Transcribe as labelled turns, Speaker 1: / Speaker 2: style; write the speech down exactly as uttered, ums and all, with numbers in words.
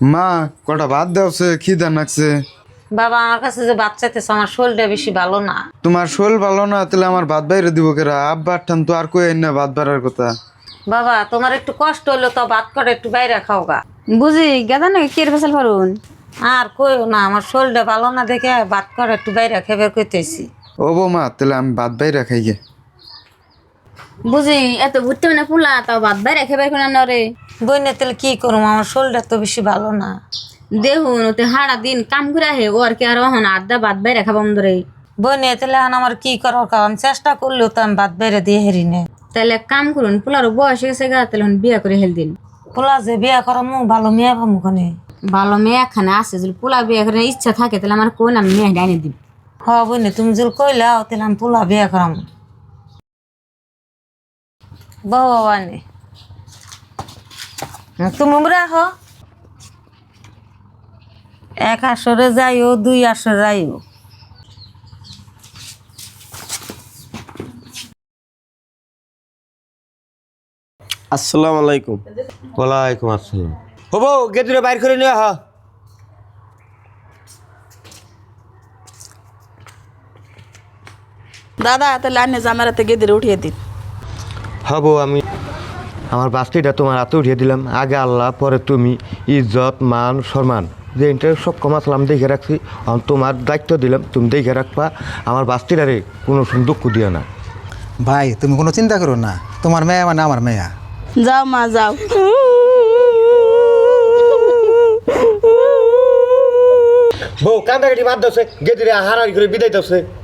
Speaker 1: মা কটা ভাত দেওছে খিদা নাকছে।
Speaker 2: বাবা আমার কাছে যে ভাত চাইতেছে আমার শরীরটা বেশি ভালো না।
Speaker 1: তোমার শোল ভালো না তাহলে আমার ভাত বাইরে দিব কেরা? আব্বার ঠান তো আর কই না ভাত বাড়ার কথা।
Speaker 2: বাবা তোমার একটু কষ্ট হইলো তো ভাত করে একটু বাইরে খাও গা।
Speaker 3: বুঝি গেদা নাকি কে ফেসাল পারুন।
Speaker 2: আর কইও না আমার শরীরটা ভালো না দেখে ভাত করে একটু বাইরে খেবে কইতেছি।
Speaker 1: ও বৌমা তাহলে আমি ভাত বাইরে খাই গে।
Speaker 3: বুঝি এত ঘুরতে মানে পুলা তাও বাদ বাইরে খেবার কোন রে।
Speaker 2: বইনে তাহলে কি করবো আমার শরীরটা তো বেশি ভালো না।
Speaker 3: দেখুন ওতে হারা দিন কাম করে আহে ও আর কি আর হন আড্ডা বাদ বাইরে খাবাম ধরে।
Speaker 2: বইনে তাহলে এখন আমার কি করার কারণ চেষ্টা করলেও তো আমি ভাত বাইরে দিয়ে হেরি নে।
Speaker 3: তাহলে এক কাম করুন পোলারও বয়স হয়ে গেছে গা তাহলে বিয়া করে হেল দিন।
Speaker 2: পোলা যে বিয়া করা মু ভালো মেয়ে পাবো কোনে।
Speaker 3: ভালো মেয়ে এখানে আছে যদি পোলা বিয়া করে ইচ্ছা থাকে তাহলে আমার কোন আমি মেয়ে ডাইনে দিন।
Speaker 2: হ বইনে তুমি যদি কইলাও তাহলে আমি পোলা বিয়া করাম। বাবা নে তুমি রাখো এক আসরে যাইও দুই আসরে যাইও।
Speaker 4: আসসালামু আলাইকুম।
Speaker 5: ওয়ালাইকুম আসসালাম।
Speaker 4: হবো গেটুরে বাইর করে নিয়ে হ।
Speaker 6: দাদা তাহলে আনে জামারাতে গেদিরে উঠিয়ে দিন।
Speaker 5: হবো আমি আমার বাস্তিটা তোমার হাতে উঠিয়ে দিলাম। আগে আল্লাহ পরে তুমি, ইজ্জত মান সম্মান যে ইন্টার সব কমাতলাম দেখে রাখছি। এখন তোমার দায়িত্ব দিলাম, তুমি দেখে রাখবা আমার বাস্তিটারে কোনো দুঃখ দিও না।
Speaker 7: ভাই তুমি কোনো চিন্তা করো না, তোমার মেয়ে মানে আমার মেয়া।
Speaker 6: যাও মা যাও।
Speaker 4: বউ কান্দাকাটি বাদ দছে গেদিরে হারারি করে বিদায় দছে।